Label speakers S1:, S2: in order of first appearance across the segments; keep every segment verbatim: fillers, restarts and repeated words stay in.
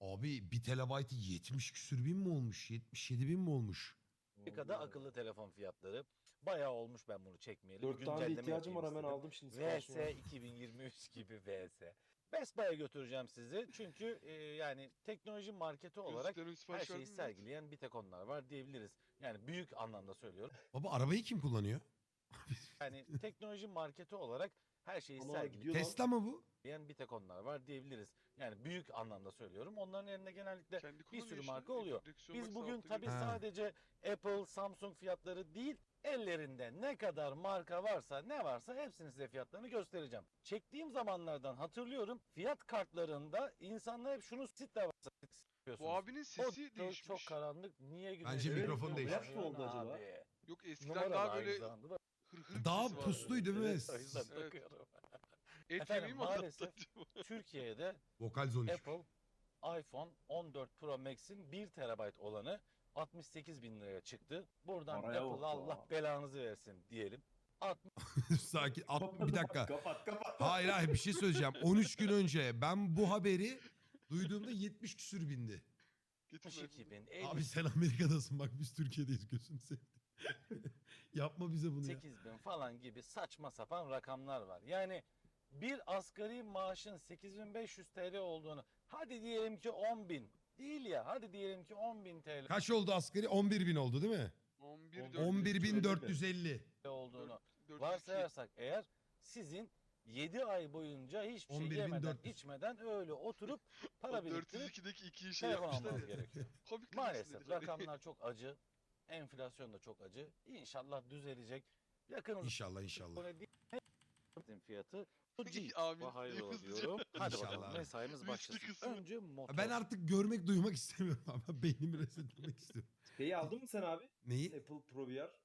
S1: Abi bir terabaytı yetmiş küsür bin mi olmuş? yetmiş yedi bin mi olmuş?
S2: Amerika'da akıllı telefon fiyatları bayağı olmuş, ben bunu çekmeyeli. Bir
S3: Dört tane de
S2: güncelleme
S3: ihtiyacım var,
S2: yapayım
S3: hemen
S2: istedim.
S3: aldım şimdi siparişini.
S2: V S iki bin yirmi üç gibi V S. Best Buy'a götüreceğim sizi. Çünkü e, yani teknoloji marketi olarak
S4: Gözlüklerin
S2: her
S4: sipariş
S2: şeyi
S4: verdin mi?
S2: sergileyen bir tek onlar var diyebiliriz. Yani büyük anlamda söylüyorum.
S1: Baba arabayı kim kullanıyor?
S2: Yani teknoloji marketi olarak her şeyi
S3: Ama
S2: sergileyen
S3: gidiyor lan.
S1: Tesla mı bu?
S2: bir tek onlar var diyebiliriz. Yani büyük anlamda söylüyorum. Onların elinde genellikle
S4: Kendi
S2: bir
S4: kullanıyor
S2: sürü
S4: işte.
S2: marka oluyor.
S4: Direksiyon
S2: Biz
S4: bak,
S2: bugün
S4: sağ
S2: tabii
S4: altta
S1: Ha.
S2: sadece Apple, Samsung fiyatları değil, ellerinde ne kadar marka varsa, ne varsa hepsinin size fiyatlarını göstereceğim. Çektiğim zamanlardan hatırlıyorum, fiyat kartlarında insanlar hep şunu sit de varsa
S4: Bu abinin
S2: O
S4: sesi
S2: çok,
S4: değişmiş.
S2: çok karanlık. Niye güneş?
S1: Bence
S2: Evet,
S1: mikrofon
S2: bu
S1: değişmiş.
S3: Yaş mı oldu acaba?
S2: abi.
S4: Yok eskiden
S2: Numara
S4: daha
S2: da
S4: böyle
S2: aynı zamanda da-
S4: hır hır bir
S1: Daha
S4: sesi vardı.
S1: pusluydu değil mi?
S2: Evet, o yüzden
S4: Evet.
S2: takıyorum.
S4: Et
S2: Efendim,
S4: yemeği mi anlattı
S2: maalesef
S4: acaba?
S2: Türkiye'de
S1: Vokal zone üç.
S2: Apple iPhone on dört Pro Max'in bir terabayt olanı altmış sekiz bin liraya çıktı. Buradan
S3: Paraya
S2: Apple'a
S3: bak
S2: Allah
S3: ya.
S2: belanızı versin diyelim.
S1: Sakin. At, bir dakika.
S3: Kapat kapat.
S1: Hayır hayır bir şey söyleyeceğim. on üç gün önce ben bu haberi duyduğumda yetmiş küsür bindi.
S4: Getir
S2: altmış iki bin,
S1: Abi sen Amerika'dasın bak biz Türkiye'deyiz gözünü seveyim. Yapma bize bunu ya.
S2: elli sekiz bin falan gibi saçma sapan rakamlar var. Yani bir asgari maaşın sekiz bin beş yüz T L olduğunu, hadi diyelim ki on bin değil ya, hadi diyelim ki on bin T L
S1: Kaç oldu asgari? on bir bin oldu değil mi?
S4: on bir
S3: On
S1: on bir bin dört yüz elli.
S2: olduğunu
S4: dört-
S2: varsayarsak eğer, sizin yedi ay boyunca hiçbir şey
S1: on bir bin
S2: yemeden
S1: dört yüz.
S2: içmeden öyle oturup para biriktirip
S4: dört yüz ikideki ikiyi şey
S2: telefon
S4: yapmışlar
S2: almanız
S4: ya.
S2: gerekiyor.
S4: Komik
S2: Maalesef
S4: kızmışsın dediler.
S2: rakamlar çok acı. Enflasyon da çok acı. İnşallah düzelecek. Yakın
S1: İnşallah inşallah.
S2: zamanda değil fiyatı. Bu G.
S4: Amin.
S2: Hayrola
S4: Hızlıca.
S2: diyorum. Hadi
S1: İnşallah
S2: bakalım
S1: abi.
S2: mesaimiz
S4: Riskli
S2: başlasın.
S4: kısmı.
S2: Önce motor.
S1: Ben artık görmek duymak istemiyorum ama beynimi resetlemek istiyorum.
S3: Şeyi aldın mı sen abi?
S1: Neyi?
S3: Apple Pro V R.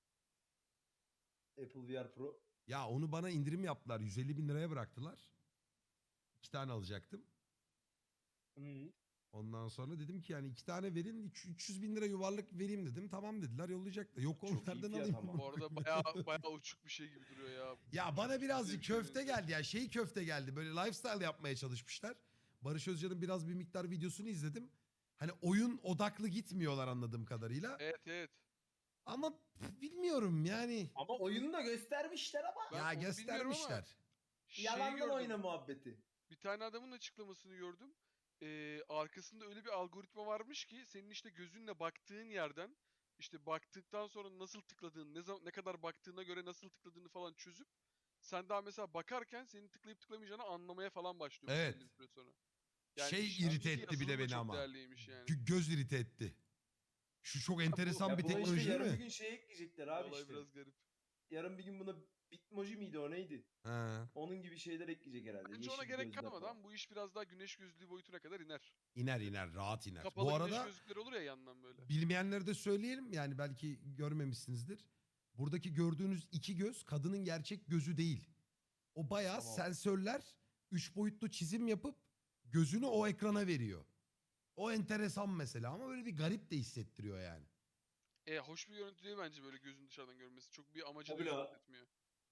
S3: Apple V R Pro.
S1: Ya onu bana indirim yaptılar. yüz elli bin liraya bıraktılar. İki tane alacaktım.
S3: Hı.
S1: Ondan sonra dedim ki yani iki tane verin üç- üç yüz bin lira yuvarlak vereyim dedim. Tamam dediler yollayacaklar. Yok
S3: Çok iyi
S1: onlardan
S3: fiyat
S1: alayım.
S3: ama.
S4: Bu arada bayağı bayağı uçuk bir şey gibi duruyor ya.
S1: Ya bana birazcık
S4: Güzel bir
S1: köfte
S4: şey
S1: geldi ya şey köfte geldi. Böyle lifestyle yapmaya çalışmışlar. Barış Özcan'ın biraz bir miktar videosunu izledim. Hani oyun odaklı gitmiyorlar anladığım kadarıyla.
S4: Evet evet.
S1: Ama pf, bilmiyorum yani.
S3: Ama oyunu da göstermişler ama.
S4: Ben
S1: ya
S4: onu bilmiyorum
S1: göstermişler.
S4: Şey
S3: Yalandan
S4: gördüm.
S3: oyna muhabbeti.
S4: Bir tane adamın açıklamasını gördüm. Ee, arkasında öyle bir algoritma varmış ki senin işte gözünle baktığın yerden işte baktıktan sonra nasıl tıkladığını, ne zaman ne kadar baktığına göre nasıl tıkladığını falan çözüp sen daha mesela bakarken senin tıklayıp tıklamayacağını anlamaya falan başlıyor
S1: Evet.
S4: belli bir süre sonra.
S1: Şey
S4: işin
S1: irite
S4: içindeki
S1: etti bir de
S4: yazılım da
S1: beni
S4: çok
S1: ama.
S4: değerliymiş yani.
S1: Gö- göz irite etti. Şu çok enteresan
S3: Ya
S1: bir
S3: buna
S1: teknoloji
S3: işte
S1: değil
S3: yarın bir
S1: mi?
S3: gün şey ekleyecekler abi
S4: Olay
S3: işte.
S4: biraz garip.
S3: Yarın bir gün buna Bitmoji miydi o neydi?
S1: Ha.
S3: Onun gibi şeyler ekleyecek herhalde.
S4: Bence ona
S3: Yeşil
S4: gerek
S3: gözler
S4: kalmadan
S3: falan.
S4: bu iş biraz daha güneş gözlüğü boyutuna kadar iner.
S1: İner iner rahat iner.
S4: Kapalı
S1: Bu
S4: güneş
S1: arada
S4: gözlükleri olur ya yandan böyle.
S1: bilmeyenlere de söyleyelim yani belki görmemişsinizdir. Buradaki gördüğünüz iki göz kadının gerçek gözü değil. O bayağı
S3: Tamam.
S1: sensörler üç boyutlu çizim yapıp gözünü o ekrana veriyor. O enteresan mesela ama böyle bir garip de hissettiriyor yani.
S4: E hoş bir görüntü değil bence böyle gözün dışarıdan görmesi. Çok bir amacı da
S3: Tabii la.
S4: hizmet etmiyor.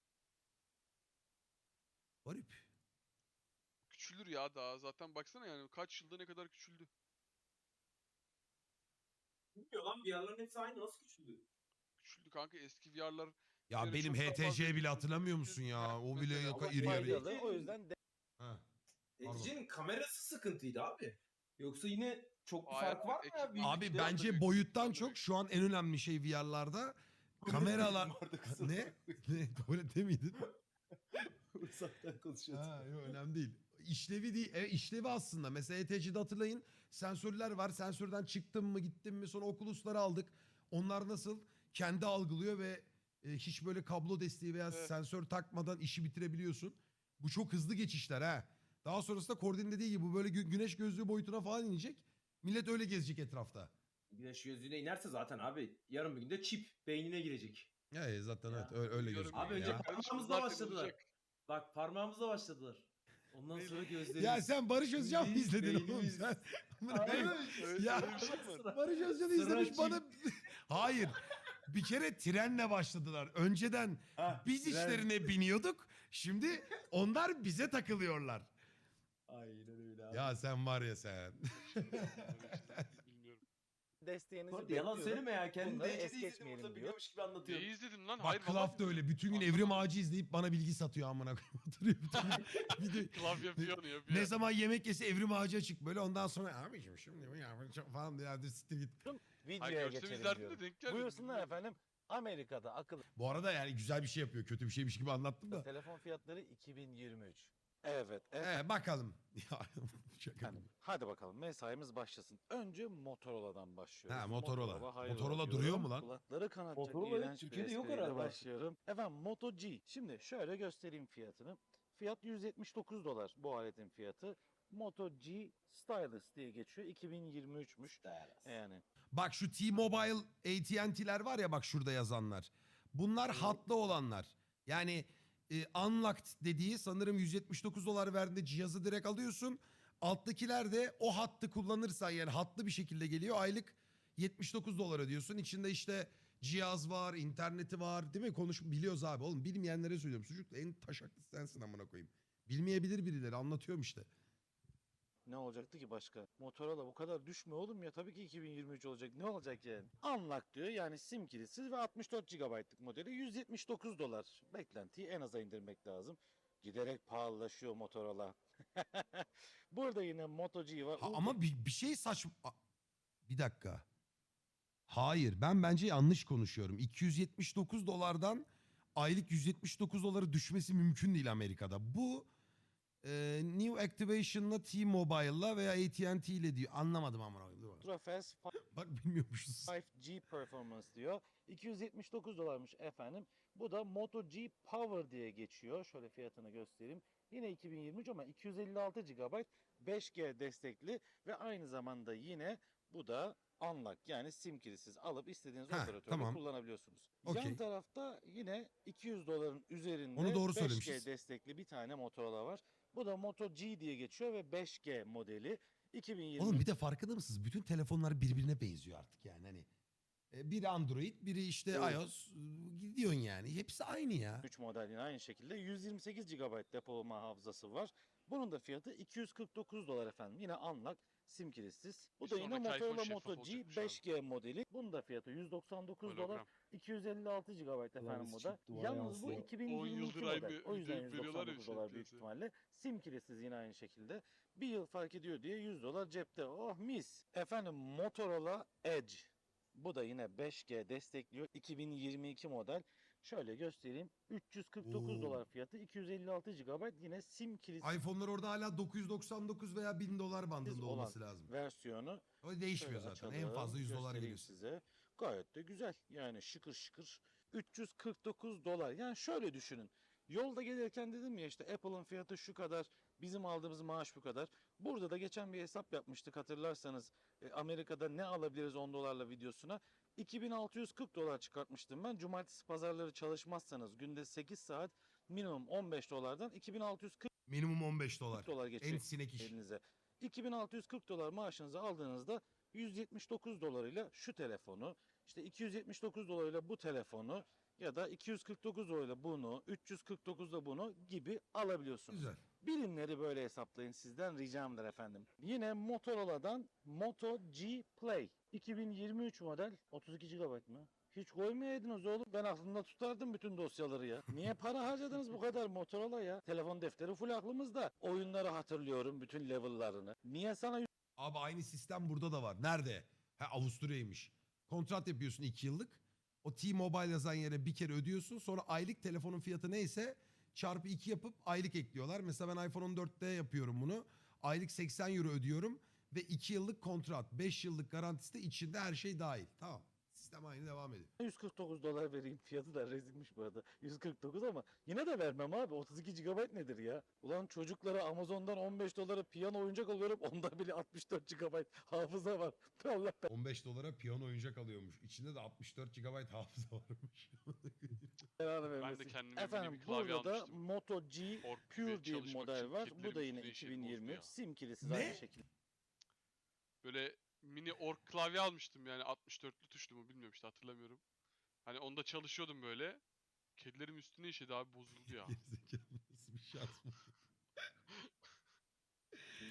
S1: Garip.
S4: Küçülür ya daha. Zaten baksana yani kaç yılda ne kadar küçüldü.
S3: Bilmiyor lan V R'ların hepsi aynı, nasıl küçüldü?
S4: Küçüldü kanka eski V R'lar.
S1: Ya
S4: Yani
S1: benim
S4: çok daha
S1: H T
S4: fazla
S1: C bile
S4: küçüldü.
S1: hatırlamıyor musun ya? O bile
S4: Mesela.
S1: yaka
S2: Ama
S1: iri yarı.
S2: faydalı. O yüzden de
S1: Ha. Pardon.
S3: Edici'nin kamerası sıkıntıydı abi. Yoksa yine çok bir
S4: Hayır,
S3: fark var mı ya?
S4: ekip-
S3: Büyük
S1: Abi
S3: bir-
S1: bence
S4: büyük,
S1: boyuttan
S4: büyük.
S1: çok şu an en önemli şey V R'larda kameralar...
S3: Orada kusura
S1: ne? Ne? Tuvalette miydin?
S3: Uzaktan konuşuyordum.
S1: Ha, yok önemli değil. İşlevi değil. Evet, işlevi aslında. Mesela E T C'de hatırlayın sensörler var. Sensörden çıktım mı gittim mi sonra Oculus'ları aldık. Onlar nasıl? Kendi algılıyor ve e, hiç böyle kablo desteği veya
S4: Evet.
S1: sensör takmadan işi bitirebiliyorsun. Bu çok hızlı geçişler ha. Daha sonrasında Kordin dediği gibi bu böyle gü- güneş gözlüğü boyutuna falan inecek. Millet öyle gezecek etrafta.
S3: Güneş gözlüğüne inerse zaten abi yarın bir günde çip beynine girecek.
S1: Ya zaten
S3: Ya.
S1: evet öyle, öyle
S4: Görün-
S1: gözüküyor
S3: Abi önce
S1: ya.
S3: parmağımızla
S4: Zaten
S3: başladılar.
S4: olacak.
S3: Bak parmağımızla başladılar. Ondan sonra gözlerimiz.
S1: Ya sen Barış Özcan mı
S3: Biz
S1: izledin oğlum
S3: beynimiz-
S1: sen?
S3: Abi,
S4: Öyle-
S1: Ya-
S4: öyle bir şey mi var?
S1: Barış Özcan'ı
S3: Sıra
S1: izlemiş
S3: çift.
S1: bana... Hayır. Bir kere trenle başladılar. Önceden
S3: Ha,
S1: biz
S3: tren.
S1: işlerine biniyorduk. Şimdi onlar bize takılıyorlar.
S3: Aynen öyle ya.
S1: Ya sen var ya sen.
S4: Bilmiyorum.
S2: desteğinizi
S3: Bu arada yalan
S2: bekliyorum.
S3: söyleme ya. Kendini
S2: Bunları
S3: D C'de
S2: es
S3: izledim
S2: geçmeyelim
S3: burada
S2: diyor.
S3: biliyormuş gibi anlatıyor.
S4: Neyi izledin lan?
S1: Bak
S4: Hayır
S1: Klaf
S4: vallahi
S1: da öyle.
S4: bilmiyorum.
S1: Bütün gün
S4: Anlamadım.
S1: Evrim Ağacı izleyip bana bilgi satıyor amına koyayım. Oturuyor bütün gün. Video-
S4: Klav yapıyor onu yapıyor.
S1: ne zaman yemek yese Evrim Ağacı açık böyle. Ondan sonra abiciğim şimdi mi ya falan diye hadi siktir git.
S4: Hayır,
S2: Videoya
S4: görsem
S2: geçelim
S4: izlerdim
S2: diyorum.
S4: de denk gelmedi.
S2: Buyursunlar
S4: bilmiyorum.
S2: efendim. Amerika'da akıllı
S1: Bu arada yani güzel bir şey yapıyor. Kötü bir şeymiş gibi anlattım da.
S2: telefon fiyatları iki bin yirmi üç. Evet. evet.
S1: Ee, bakalım. Ya şaka
S2: Efendim,
S1: gibi.
S2: hadi bakalım mesaimiz başlasın. Önce Motorola'dan başlıyoruz.
S1: Ha, Motorola.
S2: hayrola
S1: Motorola
S2: diyorum.
S1: duruyor mu lan?
S2: Kulakları kanatacak
S3: Motorola evet,
S2: iğrenç bir
S3: Türkiye'de yok
S2: espriyle
S3: herhalde.
S2: başlıyorum. Efendim Moto G. Şimdi şöyle göstereyim fiyatını. Fiyat yüz yetmiş dokuz dolar bu aletin fiyatı. Moto G Stylus diye geçiyor. iki bin yirmi üçmüş. Yani
S1: Bak şu T-Mobile A T and T'ler var ya bak şurada yazanlar. Bunlar hatlı olanlar. Yani e, unlocked dediği sanırım yüz yetmiş dokuz dolar verdiğinde cihazı direkt alıyorsun. Alttakiler de o hattı kullanırsan yani hatlı bir şekilde geliyor. Aylık yetmiş dokuz dolar ödüyorsun. İçinde işte cihaz var, interneti var değil mi? Konuş biliyoruz abi oğlum. Bilmeyenlere söylüyorum. Çocuk en taşaklısı sensin amına koyayım. Bilmeyebilir birileri anlatıyorum işte.
S2: ne olacaktı ki başka? Motorola bu kadar düşme oğlum ya. Tabii ki iki bin yirmi üç olacak. Ne olacak yani? Unlock diyor yani sim kilitsiz ve altmış dört gigabaytlık modeli yüz yetmiş dokuz dolar. Beklentiyi en aza indirmek lazım. Giderek pahalılaşıyor Motorola. Burada yine Moto G var.
S1: Ha,
S2: Ultra
S1: ama bir, bir şey saçma... A- Bir dakika. Hayır ben bence yanlış konuşuyorum. iki yüz yetmiş dokuz dolardan aylık yüz yetmiş dokuz dolara düşmesi mümkün değil Amerika'da. Bu e, New Activation'la T-Mobile'la veya A T and T ile diyor. Anlamadım amına koyayım. Dur bak.
S2: Fast
S1: Bak bilmiyormuşuz.
S2: beş G Performance diyor. iki yüz yetmiş dokuz dolarmış efendim. Bu da Moto G Power diye geçiyor. Şöyle fiyatını göstereyim. Yine iki bin yirmi üç ama iki yüz elli altı gigabayt beş G destekli ve aynı zamanda yine bu da unlock yani sim kilitsiz alıp istediğiniz
S1: Ha,
S2: operatörde
S1: tamam.
S2: kullanabiliyorsunuz.
S1: Okey.
S2: Yan tarafta yine iki yüz doların üzerinde
S1: Onu doğru
S2: beş G
S1: söylemişiz.
S2: destekli bir tane Motorola var. Bu da Moto G diye geçiyor ve beş G modeli. iki bin yirmi
S1: Oğlum bir de farkında mısınız? Bütün telefonlar birbirine benziyor artık yani hani. E, Biri Android, biri işte
S2: Evet.
S1: iOS. Gidiyorsun yani. Hepsi aynı ya.
S2: üç model yine aynı şekilde yüz yirmi sekiz gigabayt depolama hafızası var. Bunun da fiyatı iki yüz kırk dokuz dolar efendim. Yine unlock sim kilitsiz. Bu
S4: Bir
S2: da yine
S4: sonraki iPhone
S2: Motorola
S4: şeffaf
S2: Moto G
S4: olacakmış abi.
S2: beş G modeli. Bunun da fiyatı yüz doksan dokuz dolar.
S4: Hologram.
S2: iki yüz elli altı gigabayt efendim bu da.
S3: çıktı, vay
S2: Yalnız bu
S3: yansıyor.
S2: iki bin
S4: on
S2: yirmi iki
S4: yıldır aynı
S2: model. O yüzden
S4: videoyu veriyorlar ya
S2: yüz doksan dokuz dolar
S4: işte
S2: büyük
S4: piyasaya.
S2: ihtimalle. Sim kilitsiz yine aynı şekilde. Bir yıl fark ediyor diye yüz dolar cepte. Oh mis. Efendim Motorola Edge. Bu da yine beş G destekliyor. iki bin yirmi iki model. Şöyle göstereyim. üç yüz kırk dokuz
S1: Oo.
S2: dolar fiyatı. iki yüz elli altı gigabayt yine sim kilitsiz
S1: iPhone'lar orada hala dokuz yüz doksan dokuz veya bin dolar bandında
S2: olan
S1: olması lazım.
S2: versiyonu.
S1: O değişmiyor
S2: Şöyle
S1: zaten. En
S2: açalım,
S1: fazla yüz dolar
S2: göstereyim
S1: geliyor.
S2: size. Gayet de güzel. Yani şıkır şıkır. üç yüz kırk dokuz dolar. Yani şöyle düşünün. Yolda gelirken dedim ya işte Apple'ın fiyatı şu kadar, bizim aldığımız maaş bu kadar. Burada da geçen bir hesap yapmıştık hatırlarsanız. E, Amerika'da ne alabiliriz on dolarla videosuna. iki bin altı yüz kırk dolar çıkartmıştım ben. Cumartesi pazarları çalışmazsanız günde sekiz saat minimum on beş dolardan iki bin altı yüz kırk
S1: Minimum on beş dolar.
S2: dolar
S1: En
S2: geçecek
S1: sinek iş.
S2: elinize. iki bin altı yüz kırk dolar maaşınızı aldığınızda yüz yetmiş dokuz dolarıyla şu telefonu, işte iki yüz yetmiş dokuz dolarıyla bu telefonu ya da iki yüz kırk dokuz dolarıyla bunu, üç yüz kırk dokuzda bunu gibi alabiliyorsunuz.
S1: Güzel.
S2: Birimleri böyle hesaplayın sizden ricamdır efendim. Yine Motorola'dan Moto G Play iki bin yirmi üç model otuz iki gigabayt mı? Hiç koymayaydınız oğlum. Ben aklımda tutardım bütün dosyaları ya. Niye para harcadınız bu kadar Motorola ya? Telefon defteri full aklımızda. Oyunları hatırlıyorum bütün level'larını. Niye sana
S1: Abi aynı sistem burada da var. Nerede? Ha Avusturya'ymış. Kontrat yapıyorsun iki yıllık. O T-Mobile yazan yere bir kere ödüyorsun. Sonra aylık telefonun fiyatı neyse çarpı iki yapıp aylık ekliyorlar. Mesela ben iPhone on dörtte yapıyorum bunu. Aylık seksen euro ödüyorum. Ve iki yıllık kontrat. beş yıllık garantisi de içinde her şey dahil. Tamam. Sistem aynı devam ediyor.
S2: yüz kırk dokuz dolar vereyim? Fiyatı da rezilmiş bu arada. yüz kırk dokuz ama yine de vermem abi. otuz iki gigabayt nedir ya? Ulan çocuklara Amazon'dan on beş dolara piyano oyuncak alıyorum. Onda bile altmış dört gigabayt hafıza var. Allah
S1: on beş dolara piyano oyuncak alıyormuş. İçinde de altmış dört gigabayt hafıza varmış.
S2: belanı
S4: Ben
S2: vermesin.
S4: de kendime mini
S2: Efendim
S4: bir klavye
S2: burada da
S4: almıştım.
S2: Moto G
S4: Ork
S2: Pure
S4: gibi
S2: diye bir
S4: çalışmak
S2: model
S4: için
S2: var. Bu
S4: kedilerin
S2: da yine
S4: üstüne işe
S2: iki bin yirmi üç.
S4: bozdu ya.
S2: Sim kilisiz
S1: Ne?
S2: aynı şekilde.
S4: Böyle mini ork klavye almıştım yani altmış dörtlü tuşlu mu bilmiyorum işte hatırlamıyorum. Hani onda çalışıyordum böyle. Kedilerim üstüne işedi abi bozuldu ya.
S1: Gerizekalı nasıl bir şans bu?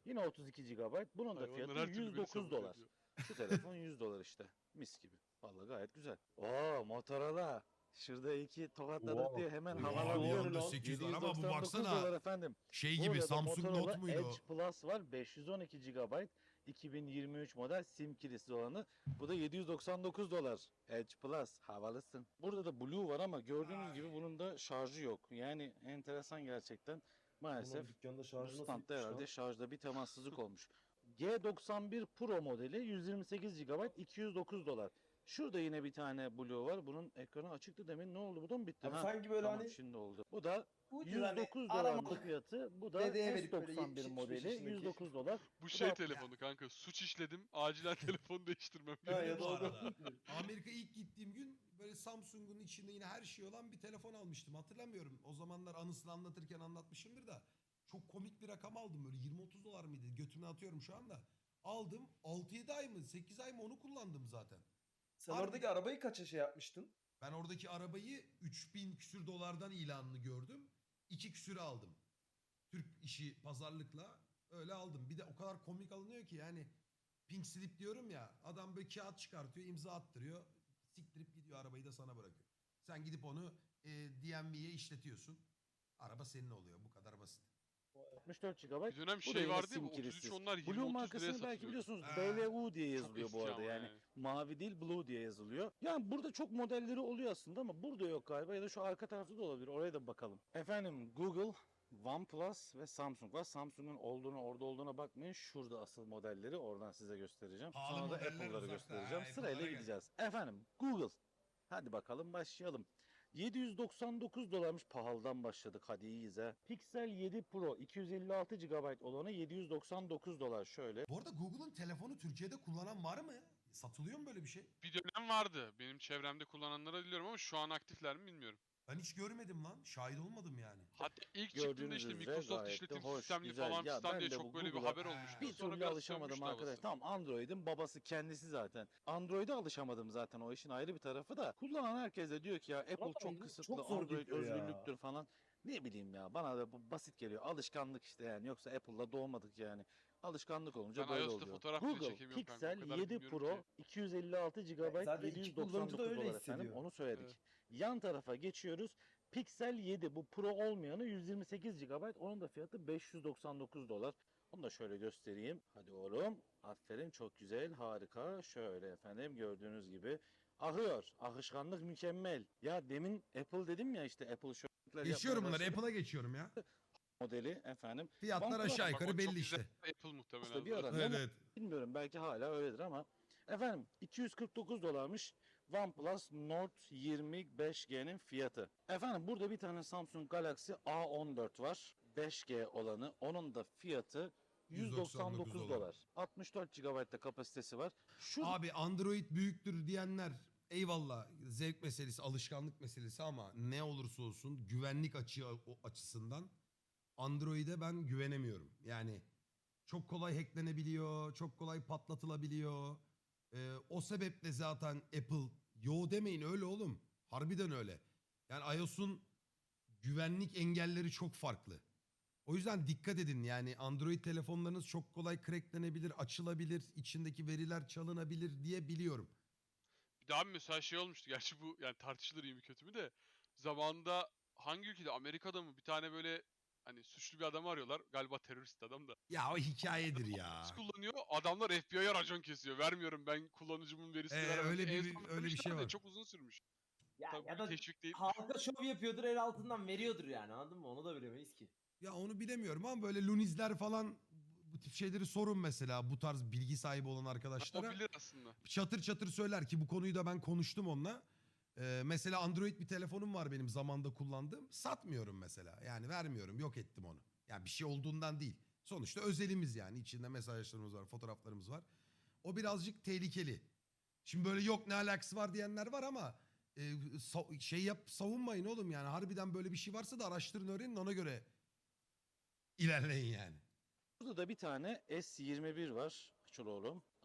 S2: Yine otuz iki gigabayt. Bunun da
S4: Hayvanlar her
S2: fiyatı
S4: türlü
S2: yüz
S4: beni
S2: dokuz
S4: sabote
S2: dolar.
S4: ediyor.
S2: Şu telefon yüz dolar işte. Mis gibi. Vallahi gayet güzel. Oo, Motorola. Şurada iki tokatladık
S5: Wow.
S2: diye hemen
S1: Abi
S2: havalanıyor.
S1: yanında
S5: lan.
S1: sekiz var ama bu
S2: yedi yüz doksan dokuz
S1: baksana
S2: dolar efendim.
S1: şey gibi
S2: Burada
S1: Samsung
S2: Motorola
S1: Note muydu o?
S2: Edge Plus var. beş yüz on iki gigabayt. iki bin yirmi üç model sim kilisiz olanı. Bu da yedi yüz doksan dokuz dolar. Edge Plus. Havalısın. Burada da Blue var ama gördüğünüz gibi bunun da şarjı yok. Yani enteresan gerçekten. Maalesef
S5: Bunun dükkanda
S2: bu
S5: şarjı nasıl
S2: standta
S5: bitmiş
S2: herhalde
S5: lan?
S2: şarjda bir temassızlık olmuş. G doksan bir Pro modeli yüz yirmi sekiz gigabayt iki yüz dokuz dolar. Şurada yine bir tane Blue var. Bunun ekranı açıktı demin. Ne oldu? Bu da mı bitti?
S5: Abi
S2: Ha,
S5: sanki böyle
S2: tamam
S5: hani
S2: şimdi oldu. Bu da
S5: ucuz hani
S2: yüz dokuz
S5: aramalık
S2: dolarlık fiyatı. Bu da
S5: dedeye
S2: S
S5: verip böyle
S2: doksan bir
S5: yetmiş yetmiş beş
S2: modeli
S5: yaşındaki.
S2: yüz dokuz dolar.
S4: Bu şey
S2: da-
S4: telefonu kanka. Suç işledim. Acilen telefon değiştirmem
S5: Ha,
S4: lazım.
S5: ya
S1: Bu
S5: da o
S1: arada.
S5: da-
S1: Amerika ilk gittiğim gün böyle Samsung'un içinde yine her şey olan bir telefon almıştım. Hatırlamıyorum. O zamanlar anısını anlatırken anlatmışımdır da. Çok komik bir rakam aldım böyle yirmi otuz dolar mıydı? Götüme atıyorum şu anda. Aldım altı yedi ay mı sekiz ay mı onu kullandım zaten.
S5: Sen
S1: Harbi.
S5: oradaki arabayı kaça şey yapmıştın?
S1: Ben oradaki arabayı üç bin küsür dolardan ilanını gördüm. iki küsüre aldım. Türk işi pazarlıkla öyle aldım. Bir de o kadar komik alınıyor ki yani pink slip diyorum ya adam böyle kağıt çıkartıyor imza attırıyor. Siktirip gidiyor arabayı da sana bırakıyor. Sen gidip onu e, D M V'ye işletiyorsun. Araba senin oluyor bu kadar basit.
S2: altmış dört gigabayt.
S4: Bir dönem
S2: Bu da
S4: şey
S2: yine
S4: vardı ya
S2: sim
S4: bu otuz üç
S2: kilisiz.
S4: onlar yirmi
S2: Blue
S4: otuz liraya
S2: markasını belki
S4: satılıyordu.
S2: biliyorsunuz.
S1: Ha.
S2: B L U diye
S4: Çok
S2: yazılıyor bu
S4: eski
S2: arada
S4: ama
S2: yani.
S4: yani.
S2: Mavi değil Blue diye yazılıyor. Yani burada çok modelleri oluyor aslında ama burada yok galiba ya da şu arka tarafta da olabilir. Oraya da bakalım. Efendim Google, OnePlus ve Samsung var. Samsung'un olduğunu orada olduğuna bakmayın. Şurada asıl modelleri oradan size göstereceğim.
S1: Pahalı
S2: Sonra da
S1: modeller
S2: Apple'ları
S1: uzakta.
S2: göstereceğim.
S1: Ha,
S2: Sırayla
S1: Apple'lara gel.
S2: gideceğiz. Efendim Google. Hadi bakalım başlayalım. yedi yüz doksan dokuz dolarmış pahalıdan başladık hadi iyiyiz ha. Pixel yedi Pro iki yüz elli altı gigabayt olanı yedi yüz doksan dokuz dolar şöyle.
S1: Bu arada Google'ın telefonu Türkiye'de kullanan var mı? Satılıyor mu böyle bir şey?
S4: Bir dönem vardı. Benim çevremde kullananlara biliyorum ama şu an aktifler mi bilmiyorum.
S1: Ben hiç görmedim lan. Şahit olmadım yani.
S4: Hatta ilk çıktığında
S2: Gördüğünüz
S4: işte
S2: üzere
S4: Microsoft
S2: gayet de
S4: işletim
S2: hoş,
S4: sistemli
S2: güzel.
S4: falan
S2: Ya
S4: fistan
S2: ben
S4: diye
S2: de
S4: çok
S2: bu
S4: böyle bir
S2: Google'a
S4: haber olmuştu.
S2: Bir
S4: Sonra
S2: türlü
S4: biraz
S2: alışamadım
S4: sönmüştü
S2: arkadaş.
S4: havası.
S2: Tamam Android'in babası kendisi zaten. Android'e alışamadım zaten o işin ayrı bir tarafı da. Kullanan herkes de diyor ki ya Apple
S5: Ama
S2: çok
S5: bu
S2: kısıtlı,
S5: çok zor
S2: Android
S5: gidiyor ya.
S2: özgürlüktür falan. Ne bileyim ya bana da bu basit geliyor. Alışkanlık işte yani. Yoksa Apple'la doğmadık yani. Alışkanlık olunca
S4: Ben
S2: böyle
S4: iOS'ta
S2: oluyor.
S4: fotoğraf bile
S2: Google
S4: çekemiyorum kanka, o
S2: Pixel
S4: kadar
S2: yedi
S4: bilmiyorum
S2: Pro
S4: ki.
S2: iki yüz elli altı gigabayt
S5: Zaten iki
S2: yedi yüz
S5: kullanıcı
S2: doksan
S5: da
S2: dokuz
S5: öyle
S2: dolar efendim.
S5: hissediyor.
S2: Onu söyledik.
S4: Evet.
S2: Yan tarafa geçiyoruz. Pixel yedi bu Pro olmayanı yüz yirmi sekiz gigabayt. Onun da fiyatı beş yüz doksan dokuz dolar. Onu da şöyle göstereyim. Hadi oğlum. Aferin çok güzel harika. Şöyle efendim gördüğünüz gibi akıyor. Akışkanlık mükemmel. Ya demin Apple dedim ya işte Apple şöyle
S1: Geçiyorum bunları. Apple'a geçiyorum ya.
S2: modeli efendim.
S1: Fiyatlar
S2: OnePlus
S1: aşağı
S4: Bak, o
S1: yukarı
S4: çok
S1: belli
S4: güzel
S1: işte.
S4: Apple muhtemelen.
S2: Aslında bir
S4: zaten.
S2: ara
S1: Evet
S2: ne
S1: evet.
S2: bilmiyorum belki hala öyledir ama efendim iki yüz kırk dokuz dolarmış OnePlus Nord yirmi beş G'nin fiyatı. Efendim burada bir tane Samsung Galaxy A on dört var. beş G olanı. Onun da fiyatı yüz doksan dokuz dolar. altmış dört gigabayt da kapasitesi var. Şu
S1: Abi Android büyüktür diyenler eyvallah zevk meselesi, alışkanlık meselesi ama ne olursa olsun güvenlik açı o açısından Android'e ben güvenemiyorum. Yani çok kolay hacklenebiliyor, çok kolay patlatılabiliyor. Ee, o sebeple zaten Apple yo demeyin öyle oğlum. Harbiden öyle. Yani iOS'un güvenlik engelleri çok farklı. O yüzden dikkat edin yani Android telefonlarınız çok kolay cracklenebilir, açılabilir, içindeki veriler çalınabilir diye biliyorum.
S4: Bir daha mesela şey olmuştu. Gerçi bu yani tartışılır iyi mi kötü mü de. Zamanında hangi ülkede Amerika'da mı bir tane böyle hani suçlu bir adamı arıyorlar. Galiba terörist adam da.
S1: Ya o hikayedir ya.
S4: Biz kullanıyor. Adamlar F B I'ye racon kesiyor. Vermiyorum ben kullanıcımın verisini
S1: Ee,
S4: veremem.
S1: öyle
S4: En
S1: bir-
S4: son
S1: öyle bir
S4: vermişler
S1: şey
S4: de
S1: var.
S4: Çok uzun sürmüş.
S5: Ya,
S4: Tabii
S5: ya
S4: bu
S5: da
S4: bir teşvik değil.
S5: halka şov yapıyordur el altından veriyordur yani anladın mı? Onu da bilemeyiz ki.
S1: Ya onu bilemiyorum ama böyle lunizler falan bu tip şeyleri sorun mesela bu tarz bilgi sahibi olan
S4: O
S1: arkadaşlara.
S4: bilir aslında.
S1: Çatır çatır söyler ki bu konuyu da ben konuştum onunla. Ee, mesela Android bir telefonum var benim zamanda kullandığım. Satmıyorum mesela. Yani vermiyorum. Yok ettim onu. Yani bir şey olduğundan değil. Sonuçta özelimiz yani. İçinde mesajlarımız var, fotoğraflarımız var. O birazcık tehlikeli. Şimdi böyle yok ne alakası var diyenler var ama e, sa- şey yap savunmayın oğlum yani. Harbiden böyle bir şey varsa da araştırın öğrenin ona göre ilerleyin yani.
S2: Burada da bir tane S yirmi bir var. Açıl oğlum.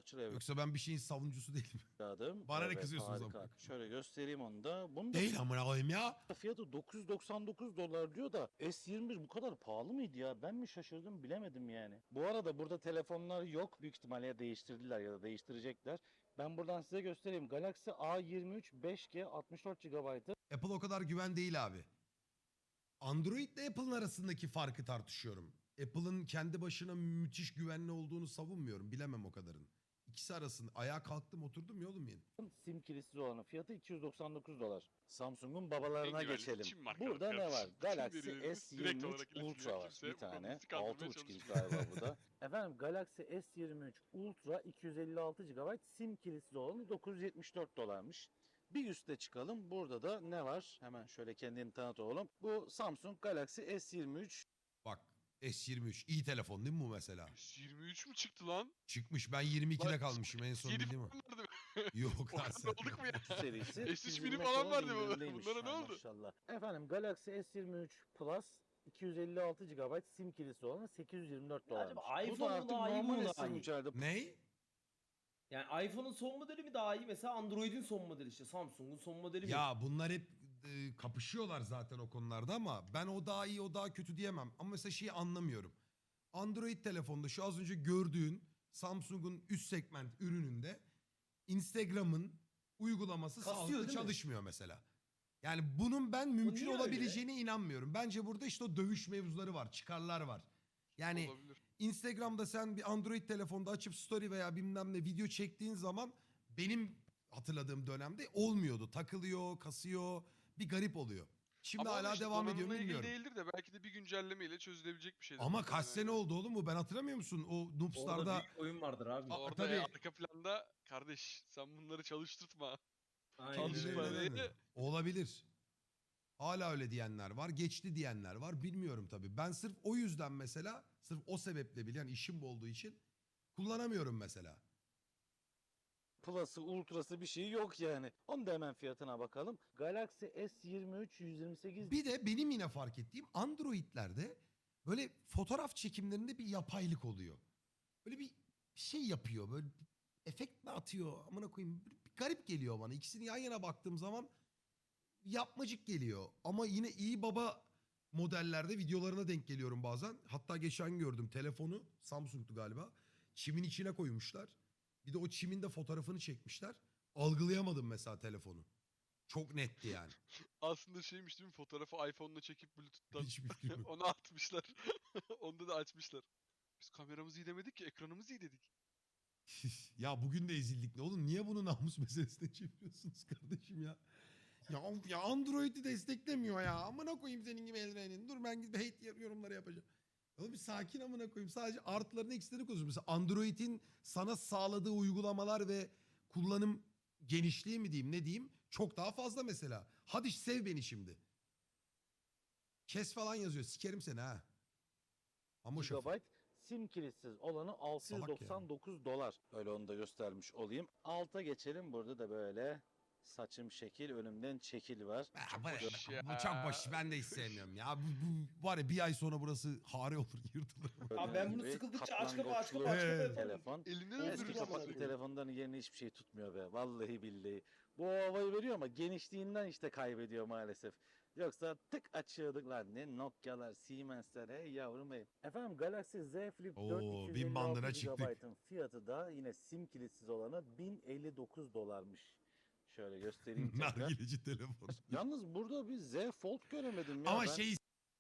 S2: Açılıyor
S1: Yoksa ben bir şeyin savunucusu değilim.
S2: evladım.
S1: Bana ne
S2: Evet,
S1: kızıyorsunuz
S2: harika.
S1: amına?
S2: Şöyle göstereyim onu da. Bunu da
S1: Değil amına koyayım ya.
S2: fiyatı dokuz yüz doksan dokuz dolar diyor da S yirmi bir bu kadar pahalı mıydı ya? Ben mi şaşırdım bilemedim yani. Bu arada burada telefonlar yok. Büyük ihtimalle ya değiştirdiler ya da değiştirecekler. Ben buradan size göstereyim. Galaxy A yirmi üç beş G altmış dört gigabaytı.
S1: Apple o kadar güven değil abi. Android ile Apple'ın arasındaki farkı tartışıyorum. Apple'ın kendi başına müthiş güvenli olduğunu savunmuyorum. Bilemem o kadarın. İkisi arasında ayağa kalktım oturdum ya oğlum yeni.
S2: Sim kilisiz olanın fiyatı iki yüz doksan dokuz dolar. Samsung'un babalarına
S4: En güvenli
S2: geçelim.
S4: Çin markalı
S2: Burada ne var?
S4: kardeşim.
S2: Galaxy
S4: Çin veriyoruz.
S2: S
S4: Direkt
S2: yirmi üç
S4: olarak iletiliyor.
S2: Ultra var.
S4: Kimse
S2: Bir
S4: bu konuda
S2: tane.
S4: bizi kandırmaya
S2: altı buçuk inç
S4: çalışmıyor.
S2: galiba bu da. Efendim Galaxy S yirmi üç Ultra iki yüz elli altı gigabayt sim kilisiz olanı dokuz yüz yetmiş dört dolarmış. Bir üste çıkalım. Burada da ne var? Hemen şöyle kendini tanıt oğlum. Bu Samsung Galaxy S yirmi üç.
S1: Bak S yirmi üç iyi telefon değil mi bu mesela?
S4: S yirmi üç mü çıktı lan?
S1: Çıkmış ben yirmi ikide
S4: Lan,
S1: kalmışım en son
S4: yedi
S1: bildiğim o.
S4: falan vardı.
S1: Yok
S4: O
S1: lan
S4: kadar
S1: sen.
S4: olduk mu ya?
S2: serisi.
S4: S üç
S2: yüz
S4: mini
S2: yirmi
S4: falan
S2: dolar
S4: vardı bu.
S2: indirimdeymiş.
S4: Bunlara ne
S2: Ha,
S4: oldu?
S2: Maşallah. Efendim Galaxy S yirmi üç Plus iki yüz elli altı gigabayt sim kilisi olan sekiz yüz yirmi dört
S5: Ya
S2: dolar.
S5: acaba
S2: Bu da
S5: iPhone mu
S2: artık
S5: daha iyi, bu
S2: normal
S5: mu daha
S2: S yirmi
S5: iyi?
S2: üç'lerde
S1: Ney?
S5: Yani iPhone'un son modeli mi daha iyi? Mesela Android'in son modeli işte. Samsung'un son modeli mi?
S1: Ya bunlar hep e, kapışıyorlar zaten o konularda ama ben o daha iyi o daha kötü diyemem. Ama mesela şeyi anlamıyorum. Android telefonda şu az önce gördüğün Samsung'un üst segment ürününde Instagram'ın uygulaması
S5: Kasıyor,
S1: sağlıklı
S5: değil mi?
S1: çalışmıyor mesela. Yani bunun ben mümkün
S5: niye öyle?
S1: olabileceğine inanmıyorum. Bence burada işte o dövüş mevzuları var, çıkarlar var. Yani
S4: Olabilir.
S1: Instagram'da sen bir Android telefonda açıp story veya bilmem ne video çektiğin zaman benim hatırladığım dönemde olmuyordu. Takılıyor, kasıyor, bir garip oluyor. Şimdi
S4: Ama
S1: hala
S4: işte
S1: devam ediyor mu
S4: donanımla ilgili
S1: bilmiyorum.
S4: değildir de belki de bir güncellemeyle çözülebilecek bir şeydir.
S1: Ama
S4: muhtemelen
S1: kaç sene
S4: yani.
S1: oldu oğlum bu? Ben hatırlamıyor musun? O
S5: Orada
S1: Noobs'larda
S5: büyük oyun vardır abi.
S1: Aa,
S4: Orada
S1: tabii.
S4: ya, arka planda kardeş sen bunları çalıştırtma.
S5: Aynen
S4: çalışma
S5: öyle.
S4: diye.
S1: Tabii, olabilir. Hala öyle diyenler var. Geçti diyenler var. Bilmiyorum tabii. Ben sırf o yüzden mesela, sırf o sebeple bile yani işim bu olduğu için kullanamıyorum mesela.
S2: Plus'ı, Ultra'sı bir şey yok yani. Onun da hemen fiyatına bakalım. Galaxy S yirmi üç yüz yirmi sekiz
S1: Bir de benim yine fark ettiğim Android'lerde böyle fotoğraf çekimlerinde bir yapaylık oluyor. Böyle bir şey yapıyor. Böyle bir efekt mi atıyor? Amına koyayım. Bir, bir garip geliyor bana. İkisini yan yana baktığım zaman yapmacık geliyor. Ama yine iyi baba modellerde videolarına denk geliyorum bazen. Hatta geçen gördüm telefonu Samsung'tu galiba. Çimin içine koymuşlar. Bir de o çimin de fotoğrafını çekmişler. Algılayamadım mesela telefonu. Çok netti yani.
S4: Aslında şeymiş değil mi, fotoğrafı iPhone'la çekip Bluetooth'tan
S1: Hiçbir fikrim yok.
S4: onu atmışlar. Onda da açmışlar. Biz kameramız iyi demedik ki, ekranımız iyi dedik.
S1: Ya bugün de ezildik ne oğlum? Niye bunu namus meselesine çeviriyorsunuz kardeşim ya? Ya, of ya Android'i desteklemiyor ya. Amına koyayım senin gibi eldivenin. Dur ben gidip hate yorumları yapacağım. Oğlum bir sakin amına koyayım. Sadece artılarını eksilerini konuşuyorum. Mesela Android'in sana sağladığı uygulamalar ve kullanım genişliği mi diyeyim ne diyeyim çok daha fazla mesela. Hadi sev beni şimdi. Kes falan yazıyor. Sikerim seni ha. Ama şoför.
S2: gigabayt sim kilitsiz olanı altı yüz doksan dokuz dolar. Öyle onu da göstermiş olayım. Alta geçelim. Burada da böyle saçım şekil, önümden çekil var.
S1: Ha, bu,
S4: boş ya.
S1: bu çok boş. Ben de hiç sevmiyorum ya. Bu, bu var ya bir ay sonra burası hare olur yırtılır.
S5: Abi ben bunu
S2: Gibi
S5: sıkıldıkça aç kapa aç kapa
S1: Ee,
S5: aç kapa yaparım.
S2: telefon.
S4: Elinden
S5: Eski
S2: Eski
S4: öldürürsün.
S5: kapat-
S2: kapaklı telefonların yerine hiçbir şey tutmuyor be. Vallahi billahi. Bu havayı veriyor ama genişliğinden işte kaybediyor maalesef. Yoksa tık açıyorduk lan ne Nokia'lar, Siemens'ler hey yavrum hey. Efendim Galaxy Z Flip
S1: Oo,
S2: dört
S1: bin
S2: iki yüz elli
S1: bandına
S2: altı
S1: çıktık.
S2: gigabaytın fiyatı da yine sim kilitsiz olanı bin elli dokuz dolarmış. Şöyle göstereyim tekrar.
S1: Nargileci telefon.
S2: Yalnız burada bir Z Fold göremedim ya.
S1: Ama
S2: ben.
S1: şey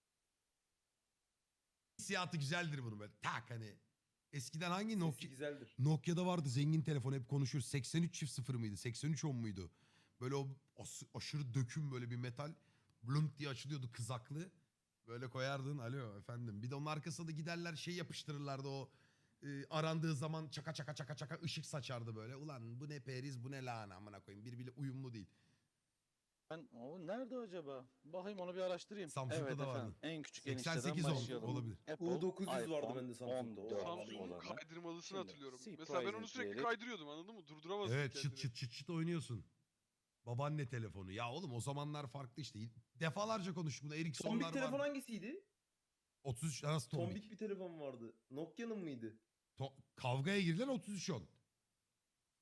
S1: hissiyatı güzeldir bunun böyle. Tak hani. Eskiden hangi
S5: Sesi
S1: Nokia?
S5: güzeldir.
S1: Nokia'da vardı zengin telefon hep konuşuyoruz. seksen üç çift sıfır mıydı? seksen üç on muydu? Böyle o as- aşırı döküm böyle bir metal. Blunk diye açılıyordu kızaklı. Böyle koyardın. Alo efendim. Bir de onun arkasında da giderler şey yapıştırırlardı o. e, arandığı zaman çaka çaka çaka çaka ışık saçardı böyle. Ulan bu ne periz bu ne lahana amına koyayım. Birbiriyle uyumlu değil.
S2: Ben, o nerede acaba? Bakayım onu bir araştırayım.
S1: Samsung'da
S2: evet
S1: da
S2: efendim.
S1: vardı.
S2: En küçük
S1: seksen sekiz
S2: enişteden
S1: on
S2: başlayalım.
S1: olabilir.
S2: Apple,
S5: U dokuz yüz vardı
S2: iPhone
S5: bende Samsung'da, o
S2: on dört
S5: vardı.
S4: Samsung'un
S2: olanı.
S4: kaydırmalısını
S2: Şimdi,
S4: hatırlıyorum.
S2: C
S4: Mesela ben onu
S2: Prize'in
S4: sürekli
S2: diyerek-
S4: kaydırıyordum, anladın mı? Durduramazdım
S1: Evet çıt
S4: kendini.
S1: çıt çıt çıt oynuyorsun. Babaanne telefonu. Ya oğlum o zamanlar farklı işte. Defalarca konuştuk bunu. Ericsson'lar
S5: Tombik telefon
S1: var.
S5: hangisiydi?
S1: otuz üç arası tombik.
S5: Tombik bir telefon vardı. Nokia'nın mıydı?
S1: To- kavgaya girilen otuz üç on.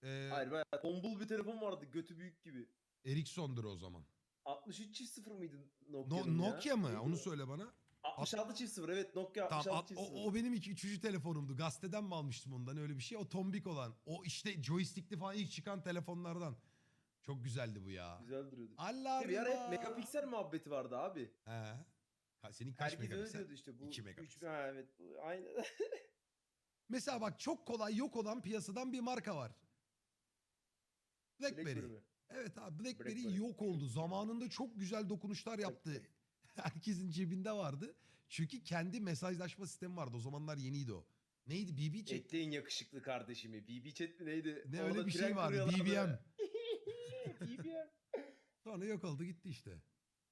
S1: Ee,
S5: Hayır bayağı tombul bir telefon vardı götü büyük gibi.
S1: Ericsson'dur o zaman.
S5: altmış üç çift sıfır mıydı
S1: No,
S5: Nokia'nın ya?
S1: Nokia mı?
S5: Neydi
S1: Onu
S5: o?
S1: söyle bana.
S5: altmış altı çift sıfır evet Nokia
S1: Tamam,
S5: altmış altı
S1: at-
S5: çift sıfır.
S1: o, o benim iki, üçüncü telefonumdu. Gazeteden mi almıştım ondan öyle bir şey? O tombik olan. O işte joystickli falan ilk çıkan telefonlardan. Çok güzeldi bu ya.
S5: Güzel duruyordu.
S1: Allah
S5: Bir ara hep
S1: Allah.
S5: megapiksel muhabbeti vardı abi.
S1: He. Ha, senin kaç
S5: Herkes öyle
S1: megapiksel?
S5: diyordu işte. Bu
S1: iki
S5: üç-
S1: megapiksel.
S5: ha, evet bu- aynen.
S1: Mesela bak çok kolay yok olan piyasadan bir marka var. BlackBerry.
S5: Blackberry mi?
S1: Evet abi BlackBerry,
S5: BlackBerry.
S1: yok oldu. Zamanında çok güzel dokunuşlar yaptı. Herkesin cebinde vardı. Çünkü kendi mesajlaşma sistemi vardı. O zamanlar yeniydi o. Neydi? B B Chat.
S5: Ekleyin yakışıklı kardeşimi. B B Chat mi neydi?
S1: Ne
S5: Orada
S1: öyle bir
S5: tren
S1: şey vardı.
S5: kuruyorlardı.
S1: B B M.
S5: B B M.
S1: Sonra yok oldu gitti işte.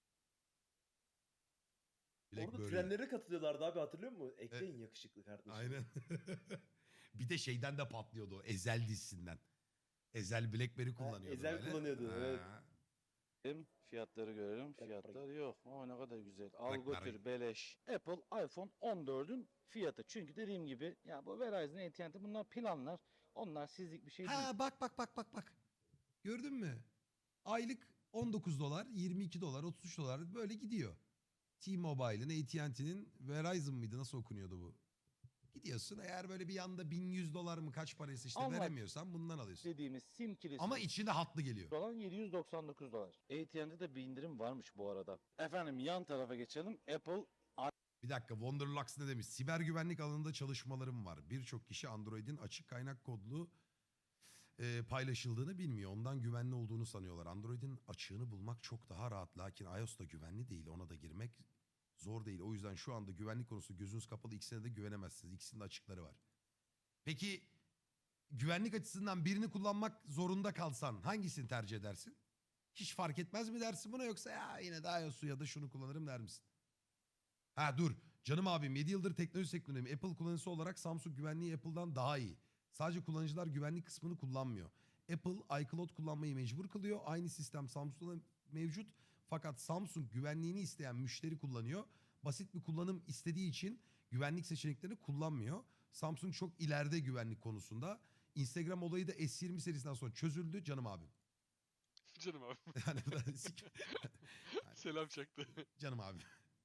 S5: Orada
S1: BlackBerry.
S5: trenlere katılıyorlardı abi hatırlıyor musun? Ekleyin yakışıklı kardeşimi.
S1: Aynen. Bir de şeyden de patlıyordu o. Ezel dizisinden. Ezel BlackBerry kullanıyordu
S5: Ezel
S1: böyle.
S5: kullanıyordu, evet.
S2: Hem fiyatları görelim.
S5: Bak,
S2: Fiyatlar yok. Ama ne kadar güzel.
S1: Bak,
S2: Al
S1: bak.
S2: götür beleş. Apple iPhone on dördün fiyatı. Çünkü dediğim gibi ya bu Verizon, A T and T bunlar planlar. Onlar sizlik bir şey değil.
S1: Ha bak bak bak bak bak. Gördün mü? Aylık on dokuz dolar, yirmi iki dolar, otuz üç dolar böyle gidiyor. T-Mobile'ın, A T and T'nin Verizon mıydı? Nasıl okunuyordu bu? Gidiyorsun eğer böyle bir yanda bin yüz dolar mı kaç paraysa işte
S2: Ama-
S1: veremiyorsan bundan alıyorsun.
S2: Dediğimiz sim kilisi.
S1: Ama içinde hatlı geliyor.
S2: olan yedi yüz doksan dokuz dolar. A T and T'de bir indirim varmış bu arada. Efendim yan tarafa geçelim. Apple
S1: Bir dakika, Wonderlux ne demiş? Siber güvenlik alanında çalışmalarım var. Birçok kişi Android'in açık kaynak kodlu e, paylaşıldığını bilmiyor. Ondan güvenli olduğunu sanıyorlar. Android'in açığını bulmak çok daha rahat. Lakin iOS'ta güvenli değil. Ona da girmek zor değil. O yüzden şu anda güvenlik konusu gözünüz kapalı. İkisine de güvenemezsiniz. İkisinin de açıkları var. Peki güvenlik açısından birini kullanmak zorunda kalsan hangisini tercih edersin? Hiç fark etmez mi dersin buna, yoksa ya yine de iOS'u ya da şunu kullanırım der misin? Ha dur. Canım abim yedi yıldır teknoloji sektöründeyim. Apple kullanıcısı olarak Samsung güvenliği Apple'dan daha iyi. Sadece kullanıcılar güvenlik kısmını kullanmıyor. Apple iCloud kullanmayı mecbur kılıyor. Aynı sistem Samsung'da mevcut. Fakat Samsung güvenliğini isteyen müşteri kullanıyor. Basit bir kullanım istediği için güvenlik seçeneklerini kullanmıyor. Samsung çok ileride güvenlik konusunda. Instagram olayı da S yirmi serisinden sonra çözüldü canım abim.
S4: Canım abi.
S1: Yani sik-
S4: Selam çaktı.
S1: Canım abi.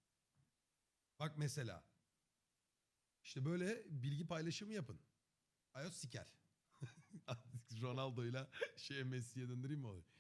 S1: Bak mesela. İşte böyle bilgi paylaşımı yapın. iOS siker. Ronaldo'yla şey Messi'ye döndüreyim mi olayı?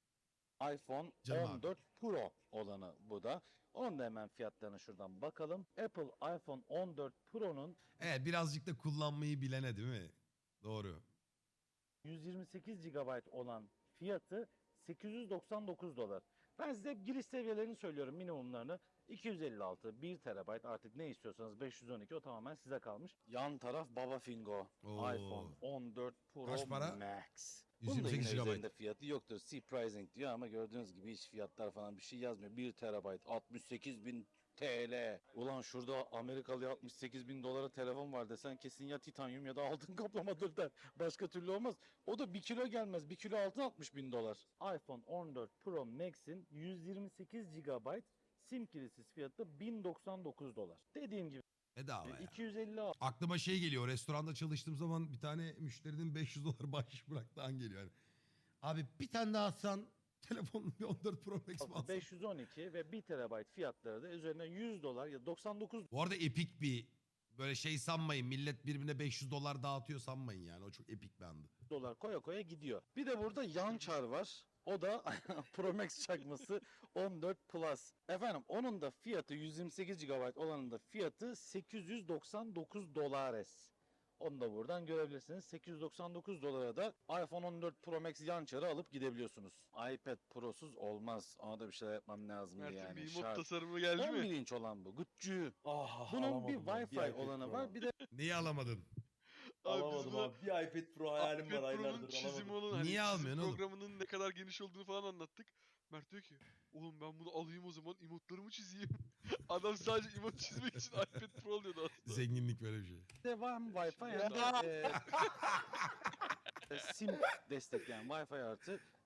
S2: iPhone
S1: Canım abi.
S2: on dört Pro olanı bu da. Onun da hemen fiyatlarına şuradan bakalım. Apple iPhone on dört Pro'nun
S1: Evet, birazcık da kullanmayı bilene değil mi? Doğru.
S2: yüz yirmi sekiz gigabayt olan fiyatı sekiz yüz doksan dokuz dolar. Ben size giriş seviyelerini söylüyorum, minimumlarını. iki yüz elli altı, bir terabayt, artık ne istiyorsanız beş yüz on iki, o tamamen size kalmış. Yan taraf Baba Fingo.
S1: Oo.
S2: iPhone on dört Pro
S1: Kaç para?
S2: Max.
S1: yüz
S2: Bunun
S1: yirmi
S2: da
S1: sekiz
S2: yine
S1: gigabayt.
S2: üzerinde fiyatı yoktur. C pricing diyor ama gördüğünüz gibi hiç fiyatlar falan bir şey yazmıyor. bir terabayt altmış sekiz bin T L. Ulan şurada Amerikalı altmış sekiz bin dolara telefon var desen kesin ya titanyum ya da altın kaplamadır der. Başka türlü olmaz. O da bir kilo gelmez. Bir kilo altın altmış bin dolar. iPhone on dört Pro Max'in yüz yirmi sekiz gigabayt sim kilisiz fiyatı bin doksan dokuz dolar. Dediğim gibi
S1: Bedava ya.
S2: iki yüz elli
S1: Aklıma şey geliyor. Restoranda çalıştığım zaman bir tane müşterinin beş yüz dolar bahşiş bıraktığı an geliyor. Yani, abi bir tane daha atsan telefon bir on dört Pro Max mi alsam?
S2: beş yüz on iki ve bir terabayt fiyatları da üzerine yüz dolar ya doksan dokuz
S1: Bu arada epik bir böyle şey sanmayın. Millet birbirine beş yüz dolar dağıtıyor sanmayın yani. O çok epik bir andı.
S2: dolar koya koya gidiyor. Bir de burada yan çar var. O da Pro Max çakması on dört Plus. Efendim onun da fiyatı yüz yirmi sekiz gigabayt olanın da fiyatı sekiz yüz doksan dokuz dolares. Onu da buradan görebilirsiniz. sekiz yüz doksan dokuz dolara da iPhone on dört Pro Max yan çarı alıp gidebiliyorsunuz. iPad Pro'suz olmaz. Ona da bir şeyler yapmam lazım
S4: Mert'in
S2: yani.
S4: bir
S2: Şart.
S4: emot tasarımı geldi
S2: on bir
S4: mi?
S2: inç olan bu. Güççü.
S5: Ah,
S2: Bunun bir
S5: alamadım ben,
S2: Wi-Fi
S5: iPad
S2: olanı
S5: Pro.
S2: var. Bir de
S1: Neyi alamadın?
S4: Abi biz
S5: Alamadım
S4: buna
S5: abi. Bir iPad Pro hayalim
S4: iPad
S5: var
S4: Pro'nun
S5: aylardır
S4: çizimi
S5: alamadım.
S4: olan hani
S1: Niye
S4: çizim
S1: almıyorsun oğlum?
S4: programının ne kadar geniş olduğunu falan anlattık. Mert diyor ki oğlum ben bunu alayım o zaman emotlarımı çizeyim. Adam sadece emot çizmek için iPad Pro alıyordu aslında.
S1: Zenginlik böyle bir şey.
S2: devam Wi-Fi
S4: Ya.
S2: hem de e, sim destekleyen Wi-Fi artı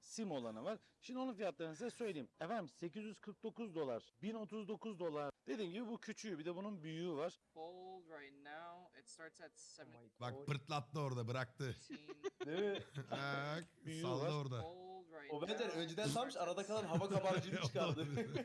S2: sim olanı var. Şimdi onun fiyatlarını size söyleyeyim. Efendim sekiz yüz kırk dokuz dolar, bin otuz dokuz dolar. Dediğim gibi bu küçüğü, bir de bunun büyüğü var.
S6: Fold right now. It starts at seventeen.
S1: Bak pırtlattı orada bıraktı.
S5: Değil mi?
S1: Bak
S2: Büyüğü
S1: salla
S2: var.
S1: orada.
S6: Fold right
S5: O
S6: now.
S5: bence önceden
S6: It
S5: sanmış
S6: starts
S5: arada
S6: at
S5: kalan hava kabarcığını çıkardı.
S6: ninety-nine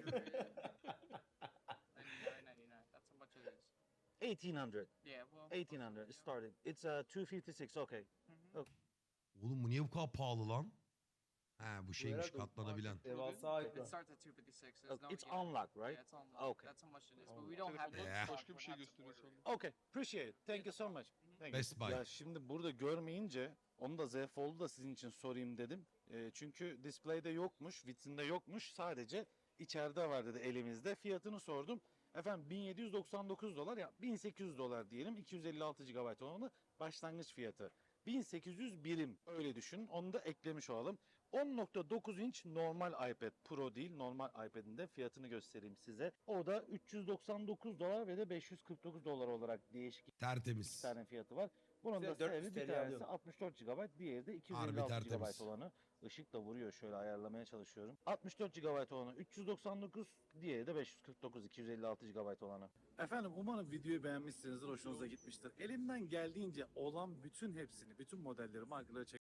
S6: ninety-nine. That's how much it is.
S2: eighteen hundred.
S6: Yeah, well.
S2: eighteen hundred starting. It's uh, two fifty-six. Okay.
S6: Mhm.
S1: Oğlum bu niye bu kadar pahalı lan? Ha bu şeymiş
S5: herhalde
S1: katlanabilen.
S5: Devasa
S6: It
S5: ekran.
S6: starts at two fifty-six. There's
S2: Okay,
S6: no
S2: It's
S6: yeah.
S2: unlocked, right?
S6: Yeah, it's unlocked.
S2: Okay.
S6: That's how much it is. But
S5: Unlocked.
S6: we don't have
S4: Telefonda
S6: it.
S1: Yeah.
S6: so
S4: başka bir
S6: we're
S4: şey
S6: not
S4: gösteriyor
S6: supported.
S4: sandım.
S2: Okay. Appreciate it. Thank you so much. Thank you.
S1: Best Buy.
S2: Ya şimdi burada görmeyince onu da Z Fold'u da sizin için sorayım dedim. E, çünkü display'de yokmuş, vitrinde yokmuş. Sadece içeride var dedi elimizde. Fiyatını sordum. Efendim bin yedi yüz doksan dokuz dolar ya bin sekiz yüz dolar diyelim. iki yüz elli altı gigabayt olanı başlangıç fiyatı. bin sekiz yüz birim öyle düşünün. Onu da eklemiş olalım. on nokta dokuz inç normal iPad Pro değil, normal iPad'in de fiyatını göstereyim size. O da üç yüz doksan dokuz dolar ve de beş yüz kırk dokuz dolar olarak değişik iki
S1: Tertemiz.
S2: tane fiyatı var. Bunun da
S5: Güzel, dört yüz
S2: sebebi bir
S5: T L
S2: tanesi
S5: alıyorum.
S2: altmış dört gigabayt, diğeri de iki yüz
S1: Harbi
S2: elli altı
S1: tertemiz.
S2: gigabayt olanı. Işık da vuruyor, şöyle ayarlamaya çalışıyorum. altmış dört gigabayt olanı üç yüz doksan dokuz, diğeri de beş yüz kırk dokuz, iki yüz elli altı gigabayt olanı. Efendim umarım videoyu beğenmişsinizdir, hoşunuza gitmiştir. Elimden geldiğince olan bütün hepsini, bütün modelleri, markaları